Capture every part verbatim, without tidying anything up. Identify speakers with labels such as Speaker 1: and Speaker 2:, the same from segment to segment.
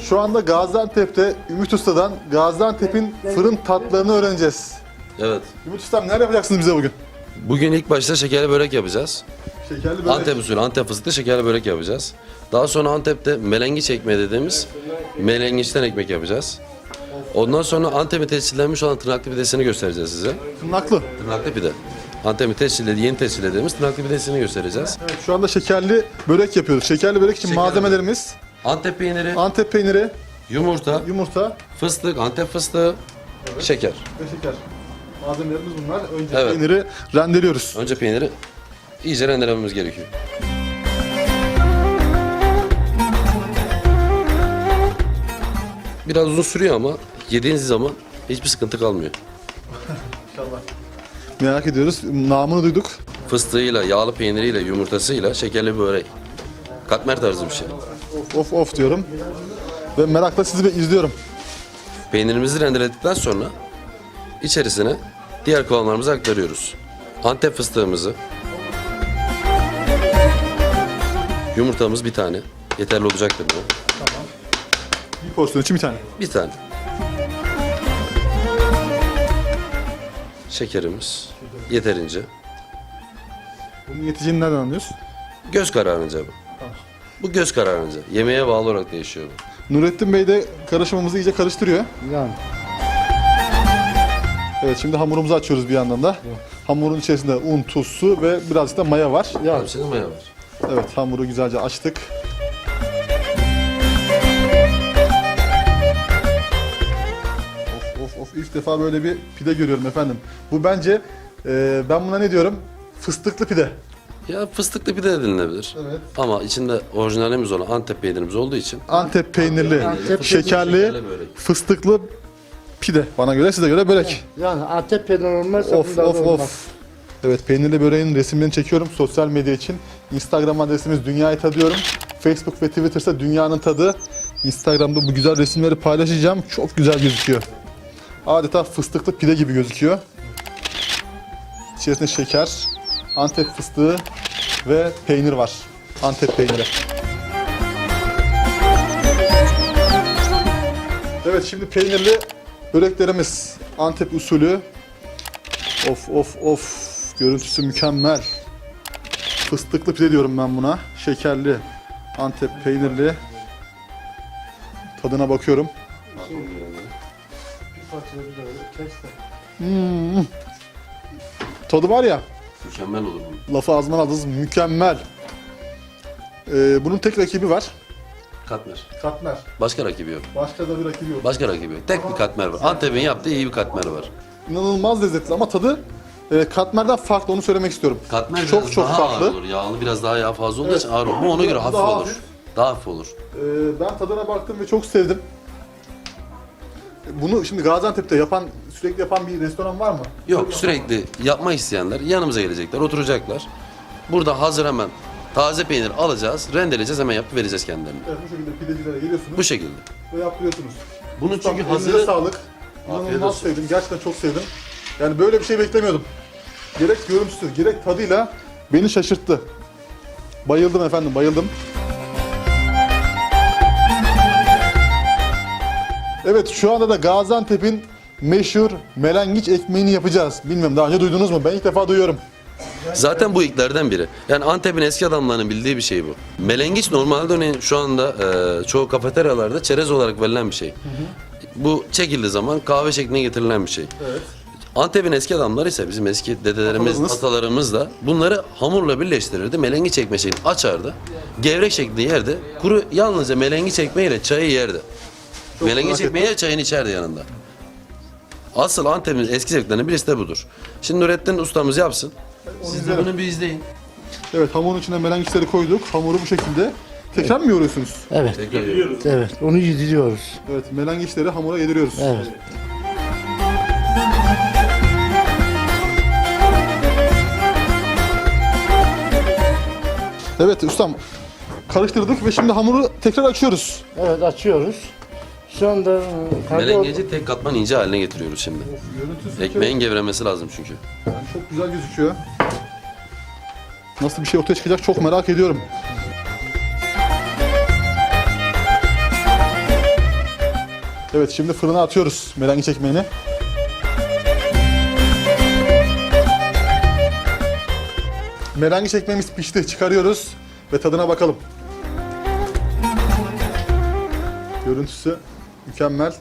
Speaker 1: şu anda Gaziantep'te Ümit Usta'dan Gaziantep'in fırın tatlarını öğreneceğiz.
Speaker 2: Evet.
Speaker 1: Ümit Usta'm neler yapacaksınız bize bugün?
Speaker 2: Bugün ilk başta şekerli börek yapacağız.
Speaker 1: Şekerli börek.
Speaker 2: Antep usulü, Antep fıstıklı şekerli börek yapacağız. Daha sonra Antep'te melengiç ekmeği dediğimiz melengiçten ekmek yapacağız. Ondan sonra Antep'in tescillenmiş olan tırnaklı pidesini göstereceğiz size.
Speaker 1: Tırnaklı.
Speaker 2: Tırnaklı pide. Antep'in tescillediği, yeni tescillediğimiz tırnaklı pidesini göstereceğiz.
Speaker 1: Evet, şu anda şekerli börek yapıyoruz. Şekerli börek için
Speaker 2: Şekerli
Speaker 1: malzemelerimiz
Speaker 2: Antep peyniri,
Speaker 1: Antep peyniri,
Speaker 2: yumurta,
Speaker 1: yumurta
Speaker 2: fıstık, Antep fıstığı, şeker.
Speaker 1: ve şeker. Malzemelerimiz bunlar. Önce
Speaker 2: Evet.
Speaker 1: peyniri rendeliyoruz.
Speaker 2: Önce peyniri iyice rendelememiz gerekiyor. Biraz uzun sürüyor ama yediğiniz zaman hiçbir sıkıntı kalmıyor.
Speaker 1: İnşallah. Merak ediyoruz. Namını duyduk.
Speaker 2: Fıstığıyla, yağlı peyniriyle, yumurtasıyla şekerli börek. Katmer tarzı bir şey.
Speaker 1: Of of of diyorum. Ve merakla sizi bir izliyorum.
Speaker 2: Peynirimizi rendeledikten sonra içerisine diğer kıvamlarımızı aktarıyoruz. Antep fıstığımızı, yumurtamız bir tane. Yeterli olacaktır bu.
Speaker 1: Bir porsiyon için bir tane.
Speaker 2: Bir tane. Şekerimiz yeterince.
Speaker 1: Bunun yeteceğini nereden anlıyoruz?
Speaker 2: Göz kararınca bu. Bu göz kararınca. Yemeğe bağlı olarak değişiyor bu.
Speaker 1: Nurettin Bey de karışımımızı iyice karıştırıyor.
Speaker 3: Yani
Speaker 1: Evet, şimdi hamurumuzu açıyoruz bir yandan da. Hamurun içerisinde un, tuz, su ve birazcık da maya var.
Speaker 2: Yani senin maya var.
Speaker 1: Evet, hamuru güzelce açtık. Of of of, ilk defa böyle bir pide görüyorum efendim. Bu bence, e, ben buna ne diyorum? Fıstıklı pide.
Speaker 2: Ya fıstıklı pide de denilebilir.
Speaker 1: Evet.
Speaker 2: Ama içinde orijinalimiz olan Antep peynirimiz olduğu için
Speaker 1: Antep peynirli,
Speaker 3: Antep
Speaker 1: şekerli,
Speaker 2: şekerli börek.
Speaker 1: fıstıklı pide. Bana göre, size göre börek.
Speaker 3: yani Antep peyniri olmazsa
Speaker 1: Of
Speaker 3: bunda da
Speaker 1: of
Speaker 3: olmaz.
Speaker 1: of. Evet, peynirli böreğin resimlerini çekiyorum sosyal medya için. Instagram adresimiz Dünyayı Tadıyorum. Facebook ve Twitter'sa Dünyanın Tadı. Instagram'da bu güzel resimleri paylaşacağım. Çok güzel gözüküyor. Adeta fıstıklı pide gibi gözüküyor. İçerisinde şeker, Antep fıstığı ve peynir var. Antep peyniri. Evet, şimdi peynirli böreklerimiz. Antep usulü. Of of of. Görüntüsü mükemmel. Fıstıklı pide diyorum ben buna. Şekerli, Antep peynirli. Tadına bakıyorum. Hmm. Tadı var ya,
Speaker 2: Mükemmel olur bu.
Speaker 1: lafı ağzımdan aldınız, mükemmel. Ee, bunun tek rakibi var.
Speaker 2: Katmer.
Speaker 1: Katmer.
Speaker 2: Başka rakibi yok.
Speaker 1: Başka da bir rakibi yok.
Speaker 2: Başka rakibi yok. Tek bir katmer var. Antep'in yaptığı iyi bir katmer var.
Speaker 1: İnanılmaz lezzetli ama tadı e, katmerden farklı, onu söylemek istiyorum.
Speaker 2: Katmer
Speaker 1: çok
Speaker 2: biraz
Speaker 1: çok
Speaker 2: daha
Speaker 1: farklı.
Speaker 2: ağır olur. Yağlı biraz daha yağ fazla olduğu
Speaker 1: Evet.
Speaker 2: için ağır olur. Bu ona göre
Speaker 1: Bu
Speaker 2: hafif
Speaker 1: daha
Speaker 2: olur.
Speaker 1: hafif.
Speaker 2: Daha hafif olur.
Speaker 1: Ee, ben tadına baktım ve çok sevdim. Bunu şimdi Gaziantep'te yapan, sürekli yapan bir restoran var mı?
Speaker 2: Yok, sürekli yapmak isteyenler yanımıza gelecekler, oturacaklar. Burada hazır hemen taze peynir alacağız, rendeleyeceğiz, hemen yapıp vereceğiz kendilerine.
Speaker 1: Evet, bu şekilde pidecilere geliyorsunuz
Speaker 2: Bu şekilde.
Speaker 1: ve yaptırıyorsunuz.
Speaker 2: Bunun
Speaker 1: Ustam,
Speaker 2: çünkü
Speaker 1: elinize
Speaker 2: hazırı...
Speaker 1: sağlık.
Speaker 2: Afiyet
Speaker 1: İnanılmaz
Speaker 2: olsun.
Speaker 1: sevdim, gerçekten çok sevdim. Yani böyle bir şey beklemiyordum. Gerek görüntüsü, gerek tadıyla beni şaşırttı. Bayıldım efendim, bayıldım. Evet, şu anda da Gaziantep'in meşhur melengiç ekmeğini yapacağız. Bilmiyorum, daha önce duydunuz mu? Ben ilk defa duyuyorum.
Speaker 2: Zaten bu ilklerden biri. Yani Antep'in eski adamlarının bildiği bir şey bu. Melengiç normalde örneğin şu anda e, çoğu kafeteryalarda çerez olarak verilen bir şey. Bu çekildiği zaman kahve şekline getirilen bir şey.
Speaker 1: Evet.
Speaker 2: Antep'in eski adamları ise bizim eski dedelerimiz,
Speaker 1: Atalarımız.
Speaker 2: atalarımız da bunları hamurla birleştirirdi. Melengiç ekme şeklini açardı. Gevrek şeklinde yerdi. Kuru yalnızca melengiç ekmeğiyle çayı yerdi. Melengiç
Speaker 1: merak
Speaker 2: ekmeğiyle çayını içerdi yanında. Asıl Antep'in eski zevklerinden birisi de budur. Şimdi Nurettin ustamız yapsın. Siz de
Speaker 1: izlerim.
Speaker 2: bunu bir izleyin.
Speaker 1: Evet, hamurun içine melengiçleri koyduk. Hamuru bu şekilde. Tekrar mı yoğuruyorsunuz?
Speaker 3: Evet.
Speaker 2: Tekrar yiyoruz.
Speaker 3: Evet. Onu yediriyoruz.
Speaker 1: Evet, melengiçleri hamura yediriyoruz.
Speaker 3: Evet.
Speaker 1: Evet ustam, karıştırdık ve şimdi hamuru tekrar açıyoruz.
Speaker 3: Evet, açıyoruz. Şu anda e, kendi
Speaker 2: Melengeci tek katman ince haline getiriyoruz şimdi.
Speaker 1: Görüntüsü
Speaker 2: Ekmeğin gevremesi lazım çünkü.
Speaker 1: yani çok güzel gözüküyor. Nasıl bir şey ortaya çıkacak çok merak ediyorum. Evet, şimdi fırına atıyoruz melengiç ekmeğini. Melengiç ekmeğimiz pişti. Çıkarıyoruz ve tadına bakalım. Görüntüsü mükemmel.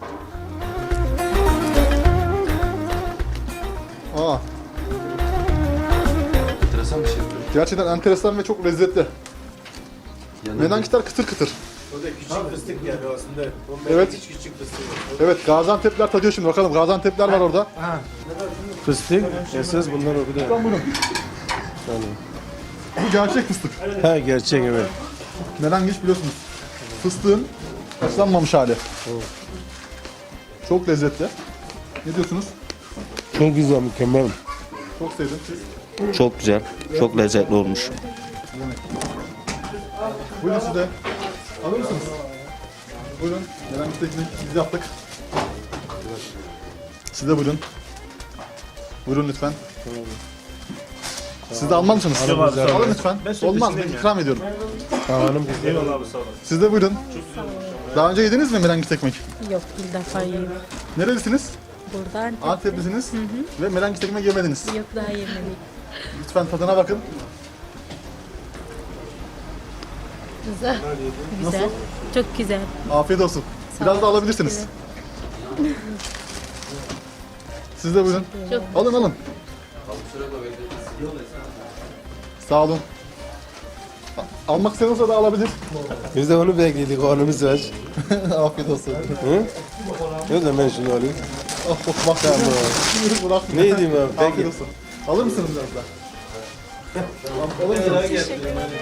Speaker 1: Aa,
Speaker 2: Enteresan bir şey yapıyor.
Speaker 1: gerçekten enteresan ve çok lezzetli.
Speaker 2: Yanında
Speaker 1: Melengiçler kıtır kıtır.
Speaker 4: O da küçük fıstık yani aslında. O
Speaker 1: Evet.
Speaker 4: hiç küçük fıstık.
Speaker 1: Evet, Gaziantep'ler tadıyor şimdi. Bakalım, Gaziantep'ler var orada.
Speaker 4: Fıstık. Esas bunlar o kadar.
Speaker 1: Bu gerçek fıstık.
Speaker 4: Ha gerçek evet.
Speaker 1: Melengiç biliyorsunuz. Fıstığın haşlanmamış hali. Çok lezzetli. Ne diyorsunuz?
Speaker 4: Çok güzel, mükemmel.
Speaker 1: Çok sevdim. Siz?
Speaker 5: Çok güzel, çok lezzetli olmuş.
Speaker 1: Buyurun siz de. Alır mısınız? Buyurun. Melengiç teknik biz yaptık. Siz de buyurun. Buyurun lütfen. Siz de almaz mısınız? Alın lütfen. Olmaz, ben ikram ediyorum.
Speaker 4: Hanım
Speaker 1: Siz de buyurun. Daha önce yediniz mi melengiç ekmek?
Speaker 6: Yok, bir defa yedim.
Speaker 1: Nerelisiniz?
Speaker 6: Buradan
Speaker 1: Anteplisiniz ve melengiç ekmek yemediniz.
Speaker 6: yok, daha yemedik.
Speaker 1: Lütfen tadına bakın.
Speaker 6: Güzel. Güzel. Çok güzel.
Speaker 1: Afiyet olsun. Biraz da alabilirsiniz. Siz de buyurun.
Speaker 6: Çok
Speaker 1: Alın alın. Sağ olun. A- Almak istiyorsa da alabilir.
Speaker 4: Biz de onu bekledik, karnımız aç.
Speaker 1: Afiyet olsun.
Speaker 4: Hı? Yok da ben şunu alayım.
Speaker 1: Oh, oh, bak ya. Buyurun, bırak.
Speaker 4: Ne diyeyim abi,
Speaker 1: Afiyet
Speaker 4: peki.
Speaker 1: olsun. Alır mısınız biraz daha? Tamam, alır mısınız?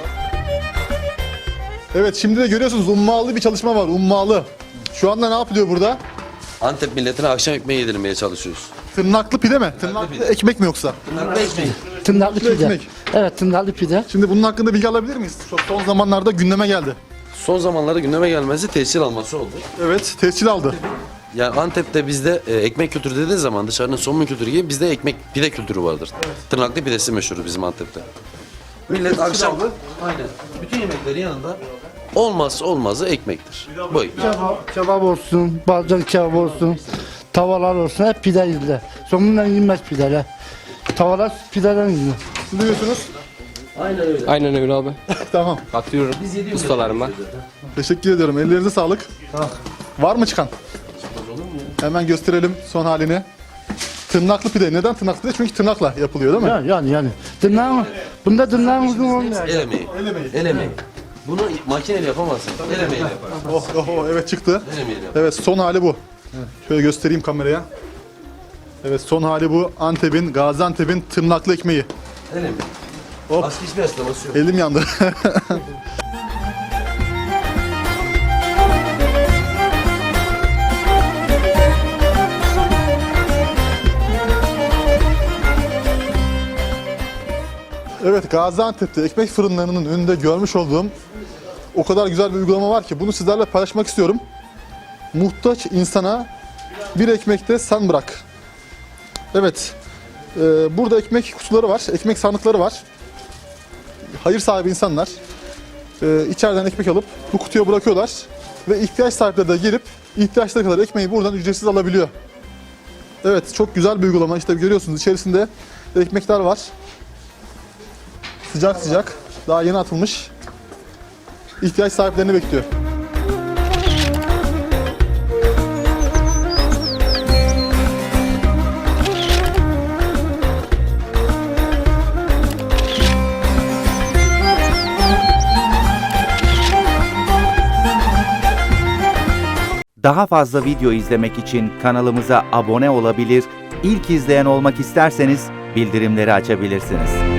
Speaker 1: Evet, şimdi de görüyorsunuz ummalı bir çalışma var. Ummalı. Şu anda ne yapılıyor burada?
Speaker 2: Antep milletine akşam ekmeği yedirmeye çalışıyoruz.
Speaker 1: Tırnaklı pide mi? Tırnaklı
Speaker 2: pide.
Speaker 1: ekmek mi yoksa?
Speaker 2: Bunlar ekmeği.
Speaker 3: Tırnaklı
Speaker 1: Tırnaklı
Speaker 3: pide.
Speaker 1: ekmek.
Speaker 3: Evet, tırnaklı pide.
Speaker 1: Şimdi bunun hakkında bilgi alabilir miyiz? Çok son zamanlarda gündeme geldi.
Speaker 2: Son zamanlarda gündeme gelmesi tescil alması oldu.
Speaker 1: Evet, tescil aldı.
Speaker 2: Yani Antep'te bizde e, ekmek kültürü dediğin zaman dışarının somun kültürü gibi bizde ekmek pide kültürü vardır. Tırnaklı pidesi meşhur bizim Antep'te. Millet akşam aynen bütün yemeklerin yanında olmazsa olmazı ekmektir. Bu ekmek.
Speaker 3: Kebap, kebap olsun, bazen kebap olsun, tavalar olsun, hep pide yediler. Sonundan yenmez pideler. Tavalar pideden yediler.
Speaker 1: Siz diyorsunuz?
Speaker 7: Aynen öyle abi.
Speaker 1: Tamam.
Speaker 7: Atıyorum ustalarıma.
Speaker 1: Teşekkür ediyorum. Ellerinize sağlık. Var mı çıkan? Hemen gösterelim son halini. Tırnaklı pide. Neden tırnaklı pide? Çünkü tırnakla yapılıyor değil mi?
Speaker 3: Yani yani yani. Tırnağın, bunda tırnağın uzun olmuyor.
Speaker 2: El emeği.
Speaker 1: El emeği.
Speaker 2: El emeği. Bunu makineyle yapamazsın. El emeğiyle yaparsın.
Speaker 1: Oh, oh, oh, evet çıktı.
Speaker 2: El emeğiyle yaparsın.
Speaker 1: Evet, son hali bu. Şöyle göstereyim kameraya. Evet, son hali bu. Antep'in, Gaziantep'in tırnaklı ekmeği.
Speaker 2: El emeği.
Speaker 1: Hop.
Speaker 2: Başka hiçbir açıklaması yok.
Speaker 1: Elim yandı. Evet, Gaziantep'te ekmek fırınlarının önünde görmüş olduğum o kadar güzel bir uygulama var ki bunu sizlerle paylaşmak istiyorum. Muhtaç insana bir ekmekte sen bırak. Evet, e, burada ekmek kutuları var, ekmek sandıkları var. Hayır sahibi insanlar e, içeriden ekmek alıp bu kutuya bırakıyorlar ve ihtiyaç sahipleri de gelip ihtiyaçları kadar ekmeği buradan ücretsiz alabiliyor. Evet, çok güzel bir uygulama. İşte görüyorsunuz içerisinde ekmekler var. Sıcak sıcak, daha yeni atılmış. İhtiyaç sahiplerini bekliyor.
Speaker 8: Daha fazla video izlemek için kanalımıza abone olabilir, ilk izleyen olmak isterseniz bildirimleri açabilirsiniz.